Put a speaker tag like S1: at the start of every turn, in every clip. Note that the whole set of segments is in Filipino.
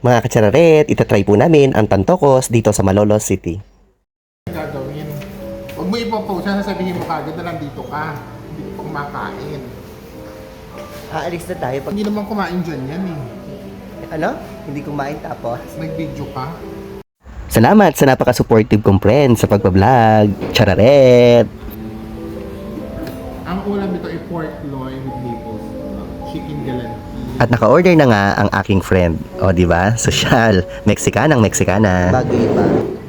S1: Mga katsararet, itatry po namin ang tantokos dito sa Malolos City.
S2: Gagawin. Huwag mo ipopost, sasabihin mo kagad na nandito ka. Hindi ko kumakain.
S1: Aalis na tayo pag...
S2: Hindi naman kumain dyan yan eh.
S1: Ano? Hindi kumain tapos?
S2: Nag-video ka.
S1: Salamat sa napaka-supportive kong friend sa pagbablog. Chararet!
S2: Ang ulam nito ay pork loin with maple chicken galanti.
S1: At naka-order na nga ang aking friend. O, di ba? Sosyal. Mexicanang Mexicana. Bago iba.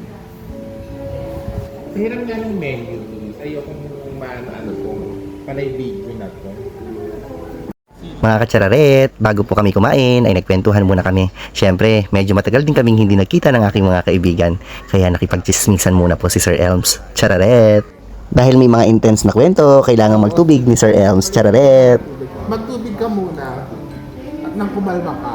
S2: Hirang nga ng menu. Ayokong ano kung panay video na to.
S1: Mga katsararet, bago po kami kumain ay nagkwentuhan muna kami. Siyempre, medyo matagal din kaming hindi nagkita ng aking mga kaibigan. Kaya nakipagchismisan muna po si Sir Elms. Chararet! Dahil may mga intense na kwento, kailangan magtubig ni Sir Elms. Chararet!
S2: Magtubig ka muna at nang kumalma ka.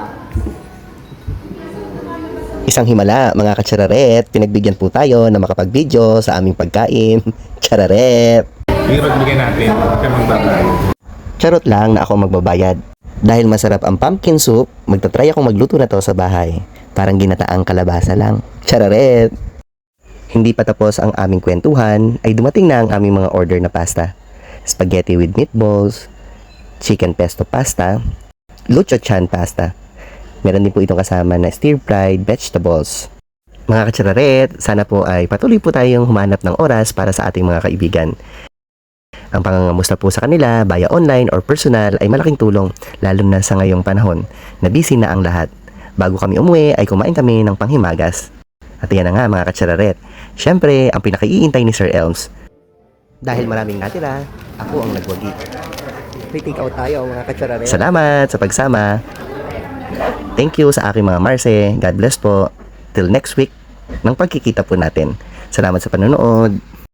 S1: Isang himala, mga katsararet, pinagbigyan po tayo na makapag-video sa aming pagkain. Chararet!
S2: Hirap bigyan natin. Kaya magbabayad.
S1: Charot lang na ako magbabayad. Dahil masarap ang pumpkin soup, magtatry akong magluto na to sa bahay. Parang ginataang kalabasa lang. Chararet! Hindi pa tapos ang aming kwentuhan, ay dumating na ang aming mga order na pasta. Spaghetti with meatballs, chicken pesto pasta, lucho chan pasta. Meron din po itong kasama na stir-fried vegetables. Mga katsararet, sana po ay patuloy po tayong humanap ng oras para sa ating mga kaibigan. Ang pangangamusta po sa kanila, via online or personal, ay malaking tulong, lalo na sa ngayong panahon, na busy na ang lahat. Bago kami umuwi, ay kumain kami ng panghimagas. At yan na nga mga katsararet, syempre, ang pinakaiintay ni Sir Elms. Dahil maraming natira, ako ang nagwagi. Take out tayo mga katsararet. Salamat sa pagsama. Thank you sa aking mga Marse. God bless po. Till next week, ng pagkikita po natin. Salamat sa panonood.